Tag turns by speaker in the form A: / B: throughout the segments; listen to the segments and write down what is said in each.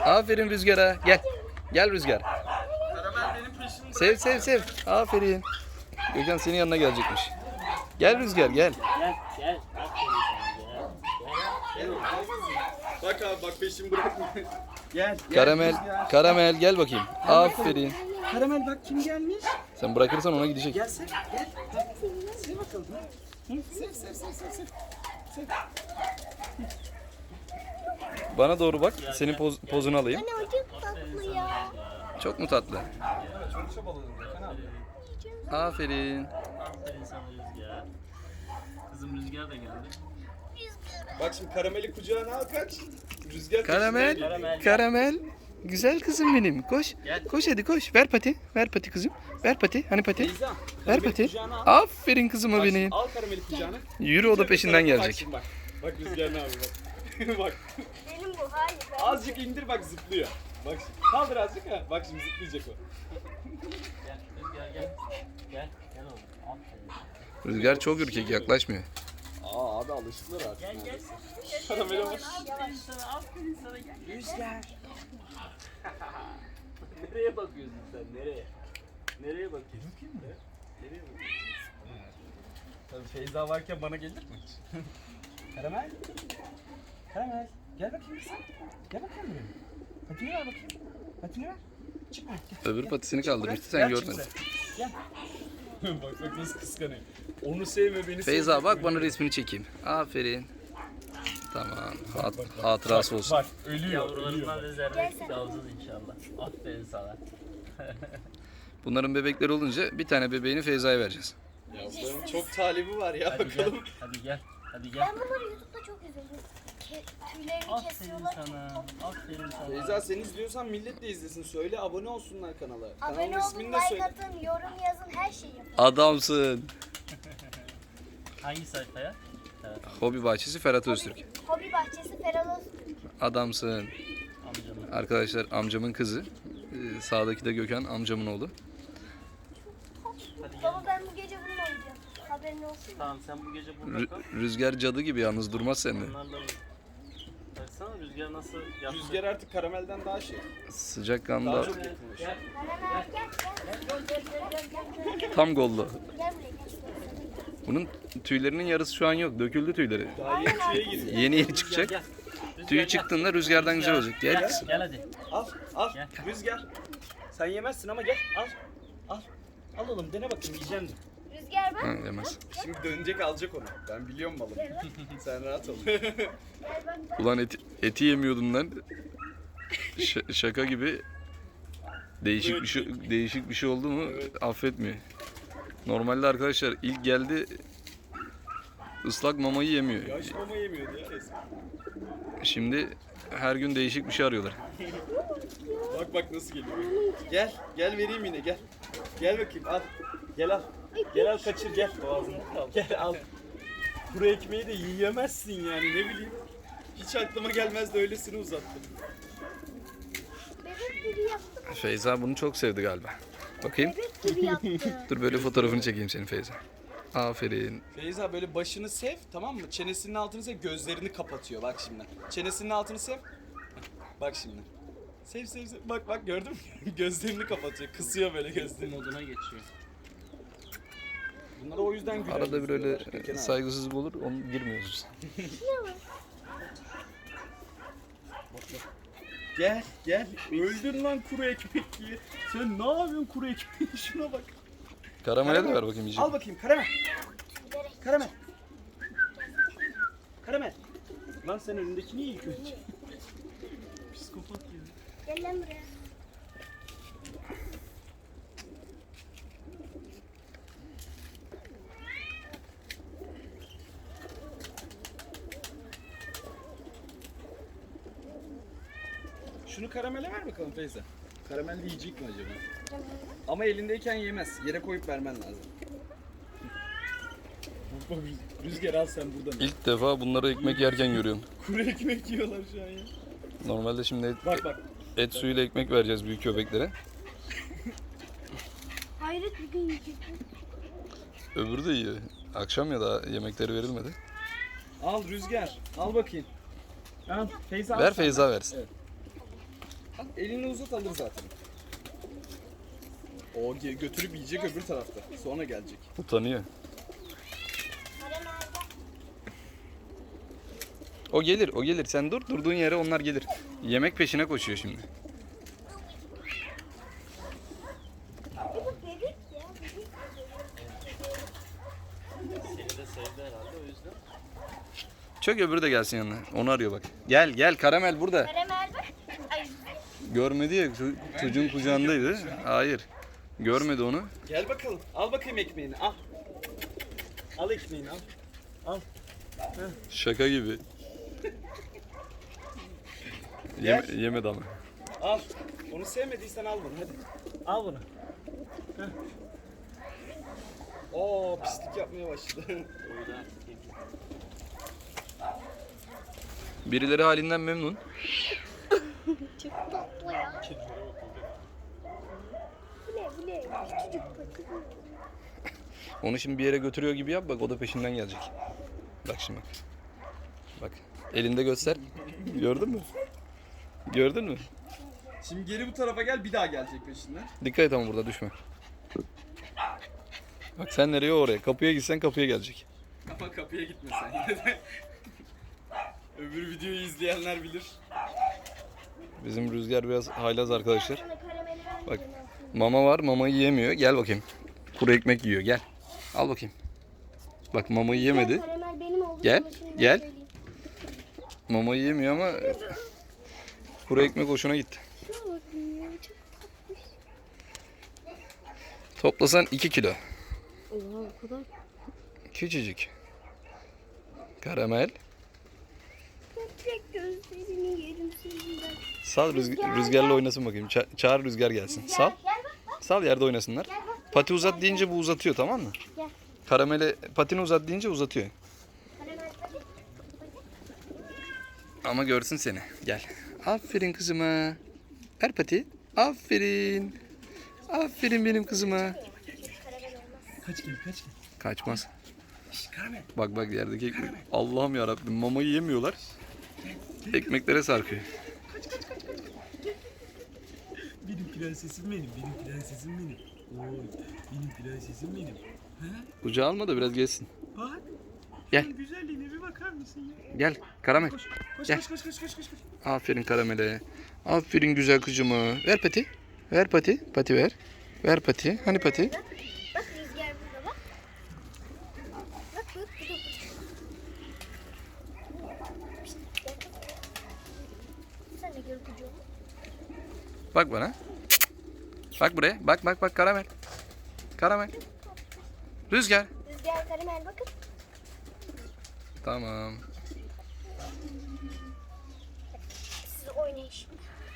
A: Aferin Rüzgar'a. Gel. Gel Rüzgar.
B: Karamel benim peşimde.
A: Sev sev sev. Aferin. Gökhan senin yanına gelecekmiş. Gel Rüzgar gel.
C: Gel gel. Aferin sana gel.
B: Bak abi bak peşimi bırakma. Gel.
A: Karamel. Karamel gel bakayım. Aferin.
B: Karamel bak kim gelmiş.
A: Sen bırakırsan ona gidecek.
B: Gel sev. Gel. Sev bakalım. Sev sev sev sev sev. Sev.
A: Bana doğru bak. Senin pozunu alayım.
D: Anne o çok tatlı ya.
A: Çok mu tatlı?
B: Çok çabaladım Gökhan abi.
A: Aferin.
C: Aferin sana Rüzgar. Kızım Rüzgar da geldi.
B: Bak şimdi karameli kucağına al kaç. Rüzgar
A: Karamel.
B: peşinden geliyor.
A: Karamel. Güzel kızım benim. Koş.
C: Gel.
A: Koş hadi koş. Ver pati. Ver pati kızım. Ver pati. Hani pati?
B: Teyzem,
A: Ver
B: karameli
A: pati.
B: kucağına al.
A: Aferin kızıma
B: Bak şimdi
A: benim.
B: al karameli kucağına.
A: Yürü o da peşinden
B: Bak
A: gelecek.
B: şimdi bak. Bak Rüzgar ne yapıyor bak. Bak.
D: Benim bu hayır.
B: Azıcık indir bak zıplıyor. Bak şimdi. Kaldır azıcık ha. Bak şimdi zıplayacak o.
C: Gel Rüzgar gel. Gel. Gel oğlum. Aferin.
A: Rüzgar çok ürkek yaklaşmıyor.
B: Aa abi alıştılar artık.
C: Gel gel.
B: Karamele bak.
C: Aferin sana. Aferin sana gel.
B: Rüzgar.
C: Nereye bakıyorsun sen? Nereye? Nereye bakıyorsun? Nereye bakıyorsun?
B: Tabii Feyza varken bana gelir mi hiç? Karamel. Karamel. Gel bakayım sen. Gel bakayım buraya. Patini ver bakayım. Patini ver. Çıkma. Gel.
A: Öbür patisini kaldırmıştı sen
B: Gel
A: görmedin.
B: çık sen. Gel. bak bak nasıl kıskanıyor. Onu sevme beni
A: Feyza
B: sevme.
A: bak bana resmini çekeyim. Aferin. Tamam. Hatırası olsun.
B: Bak ölüyor.
C: Yavrularından rezerve alacağız inşallah. Aferin sana.
A: Bunların bebekleri olunca bir tane bebeğini Feyza'ya vereceğiz.
B: Yavruların çok talibi var ya
C: Hadi gel.
B: bakalım.
C: Hadi gel. Hadi gel.
D: Ben bunları YouTube'da çok izledim. Tüylerini
C: Aferin
D: kesiyorlar.
C: sana. Aferin sana.
B: Feyza sen izliyorsan millet de izlesin. Söyle abone olsunlar kanala.
D: Abone
B: Kanalın
D: olun,
B: ismini de
D: like
B: söyle.
D: atın, yorum yazın, her şeyi yapın.
A: Adamsın.
C: Hangi sayfaya? Evet.
A: Hobi bahçesi Ferhat Öztürk.
D: Hobi bahçesi Feralos.
A: Adamsın.
C: Amcamın.
A: Arkadaşlar amcamın kızı. Sağdaki de Gökhan amcamın oğlu.
C: Hadi gel.
D: Baba ben bu gece bununla oynayacağım. Haberin olsun.
C: Tamam sen bu gece burada kal.
A: Rüzgar cadı gibi yalnız durmaz sende.
C: Onlarla baksana Rüzgar nasıl yaptı.
B: Rüzgar artık karamelden daha şey.
A: Sıcak
B: Daha
A: kanda
B: çok yakınmış.
C: Gel.
D: Karamel gel.
A: tam gollu.
D: Gel buraya gel.
A: Bunun tüylerinin yarısı şu an yok. Döküldü tüyleri.
B: Daha yeni tüye giriyor.
A: Yeni yeni
C: Rüzgar
A: çıkacak.
C: gel. Rüzgar
A: Tüyü
C: gel.
A: çıktığında rüzgardan güzel olacak. Gel kızım.
C: Gel hadi.
B: Al al
C: Gel.
B: Rüzgar. Sen yemezsin ama gel al. Al. Al oğlum dene bakayım yiyeceksin mi?
D: Rüzgar bak.
A: Ha, yemez.
B: Şimdi dönecek alacak onu. Ben biliyorum malım. Sen rahat ol.
D: Gel bak.
A: Ulan eti yemiyordun lan. Şaka gibi değişik bir şey oldu mu affetmiyor. Normalde arkadaşlar ilk geldi ıslak mamayı yemiyor.
B: Yaş mama yemiyordu ya resmen.
A: Şimdi her gün değişik bir şey arıyorlar.
B: Bak bak nasıl geliyor. Gel. Gel vereyim yine gel. Gel bakayım al. Gel al. Gel al kaçır gel. Boğazını al. Gel al. Kuru ekmeği de yiyemezsin yani ne bileyim. Hiç aklıma gelmezdi öylesini uzattım.
D: Bebek gibi yaptı.
A: Feyza bunu çok sevdi galiba. Bakayım.
D: Bebek gibi yaptı.
A: Dur böyle fotoğrafını çekeyim senin Feyza. Aferin.
B: Feyza böyle başını sev tamam mı? Çenesinin altını sev gözlerini kapatıyor bak şimdi. Çenesinin altını sev. Heh, bak şimdi. Sev sev sev. Bak bak gördün mü? Gözlerini kapatıyor. Kısıyor böyle gözlerini.
C: Moduna geçiyor.
B: Bunlara o yüzden güler.
A: Arada bir öyle
B: yüzlüyorlar, Gökhan abi.
A: saygısızlık olur, onu girmiyoruz.
B: Gel gel. Öldün lan kuru ekmek diye. Sen ne yapıyorsun kuru ekmeği? Şuna bak.
A: Karamele de ver bakayım yiyecek.
B: Al bakayım karamel. Karamel. Karamel. Lan sen önündekini ye ilk önce. Psikopat ya.
D: Gel lan buraya.
B: Şunu karamele ver bakalım Feyza. Karamel de yiyecek mi acaba? Ama elindeyken yemez. Yere koyup vermen lazım. Bak Rüzgar al sen buradan.
A: İlk defa bunları ekmek yerken görüyorum.
B: Kuru ekmek yiyorlar şu an ya.
A: Normalde şimdi
B: Bak bak.
A: et suyuyla ekmek vereceğiz büyük köpeklere.
D: Hayret bir gün yiyecek.
A: Öbürü de iyi. Akşam ya da yemekleri verilmedi.
B: Al Rüzgar. Al bakayım. Al Feyza al
A: Ver
B: sen.
A: Feyza versin.
B: Evet. Al, elini uzat alır zaten. O götürüp yiyecek öbür tarafta. Sonra gelecek.
A: Utanıyor.
D: Karamelde.
A: O gelir, o gelir. Sen dur, durduğun yere onlar gelir. Yemek peşine koşuyor şimdi.
D: Bu bebek ya. Bebek.
C: Seni de sevdi herhalde o yüzden.
A: Çök öbürü de gelsin yanına. Onu arıyor bak. Gel, gel. Karamel burada.
D: Karamel bak. Ay.
A: Görmedi ya. Çocuğun kucağındaydı. Hayır. Görmedi onu.
B: Gel bakalım. Al bakayım ekmeğini. Al. Al ekmeğini al. Al.
A: Şaka gibi. Yemedi ama.
B: Al. Onu sevmediysen al bunu hadi. Al bunu. Heh. Oo pislik yapmaya başladı.
C: Öyle artık yedi.
A: Birileri halinden memnun.
D: Çok tatlı ya. Bu ne? Küçücük pati.
A: Onu şimdi bir yere götürüyor gibi yap bak, o da peşinden gelecek. Bak şimdi bak. Bak. Elinde göster. Gördün mü? Gördün mü?
B: Şimdi geri bu tarafa gel, bir daha gelecek peşinden.
A: Dikkat et ama burada düşme. Bak sen nereye, oraya. Kapıya gitsen kapıya gelecek.
B: Ama kapıya gitme sen yine de. Öbür videoyu izleyenler bilir.
A: Bizim Rüzgar biraz haylaz arkadaşlar.
D: Sana karameli
A: Bak.
D: vermeyeceğim.
A: Mama var, mamayı yiyemiyor. Gel bakayım. Kuru ekmek yiyor. Gel. Al bakayım. Bak mamayı yemedi.
D: Karamel benim oldu.
A: Gel,
D: Ama şimdi
A: gel.
D: söyleyeyim.
A: Mamayı yemiyor ama kuru ekmek hoşuna gitti.
D: Şuna bakın ya. Çok tatlış.
A: Toplasan 2 kilo.
D: Oha o kadar.
A: Küçücük. Karamel.
D: Köpek gözlerini yerim senden.
A: Sal rüzgarla oynasın bakayım. Çağır Rüzgar gelsin. Sal.
D: Gel bak.
A: Sal, yerde oynasınlar.
D: Gel bak.
A: Pati uzat deyince bu uzatıyor, tamam mı?
D: Gel.
A: Karamele patini uzat deyince uzatıyor.
D: Karamel hadi.
A: Ama görsün seni. Gel. Aferin kızıma. Ver pati. Aferin. Aferin benim kızıma.
D: Karamel olmaz.
B: Kaç gel, kaç gel.
A: Kaçmaz.
B: Karamel.
A: Bak bak yerdeki ekmek. Allah'ım yarabbim, mamayı yemiyorlar. Ekmeklere sarkıyor.
B: Benim prensesim benim, benim prensesim benim. Oy, benim prensesim benim.
A: Kucağa alma da biraz gelsin.
B: Bak.
A: Gel.
B: Şunun güzelliğine bir bakar mısın ya?
A: Gel Karamel.
B: Koş, koş,
A: Gel.
B: koş, koş, koş, koş, koş.
A: Aferin Karamel'e. Aferin güzel kızıma. Ver pati. Ver pati. Pati ver. Ver pati. Hani pati?
D: Bak rüzgar burada bak. Bak bu da burada. Sen de gör kucuğumu.
A: Bak bana. Bak buraya. Bak bak bak Karamel. Karamel. Rüzgar.
D: Rüzgar karamel bakın.
A: Tamam.
D: Siz oynayın şimdi.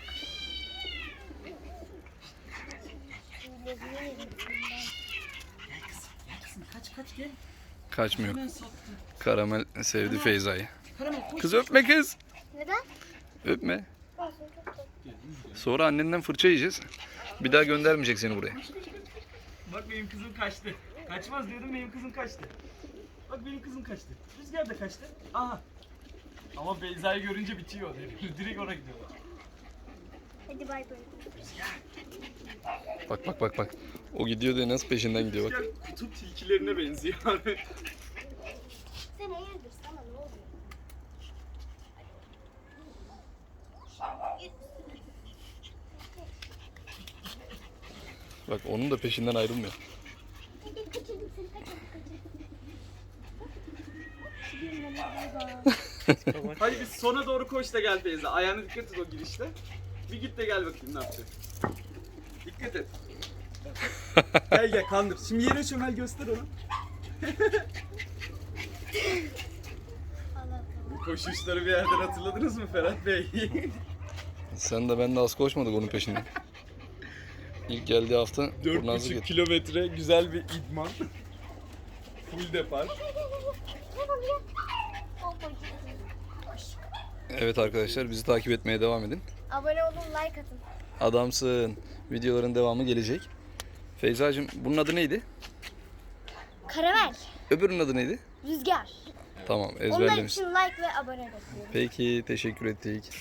B: Kaç, kaç gel.
A: Kaçmıyor.
B: Hemen sattı.
A: Karamel sevdi Feyza'yı.
B: Karamel koş.
A: Kız öpme kız.
D: Neden?
A: Öpme.
D: Olsun çok tatlı.
A: Sonra annenden fırça yiyeceğiz. Bir daha göndermeyecek seni buraya.
B: Bak benim kızım kaçtı. Kaçmaz diyordum, benim kızım kaçtı. Bak benim kızım kaçtı. Rüzgar da kaçtı. Aha. Ama Beyza'yı görünce bitiyor. Direkt ona gidiyorlar.
D: Hadi bay bay.
A: Bak bak bak bak. O gidiyor diye nasıl peşinden gidiyor bak.
B: Rüzgar kutup tilkilerine benziyor abi.
D: Sen hayırdır sana ne oluyor?
A: Bak onun da peşinden ayrılmıyor.
D: Hadi kaçırdım seni kaçırdım.
B: Hadi biz sona doğru koş da gel Beyza. Ayağına dikkat et o girişte. Bir git de gel bakayım ne yapacak. Dikkat et. Gel gel kandır. Şimdi yere çömel göster onu. Bu koşuşları bir yerden hatırladınız mı Ferhat Bey?
A: Sen de ben de az koşmadık onun peşinden. İlk geldiği hafta kurnazlık
B: 4,5
A: etti.
B: kilometre güzel bir idman. Full depar.
A: Evet arkadaşlar, bizi takip etmeye devam edin.
D: Abone olun, like atın.
A: Adamsın. Videoların devamı gelecek. Feyzacığım bunun adı neydi?
D: Karamel,
A: Öbürünün adı neydi?
D: rüzgar.
A: Tamam
D: Onlar
A: ezberlemiş.
D: için like ve abone bekliyorum.
A: Peki teşekkür ettik.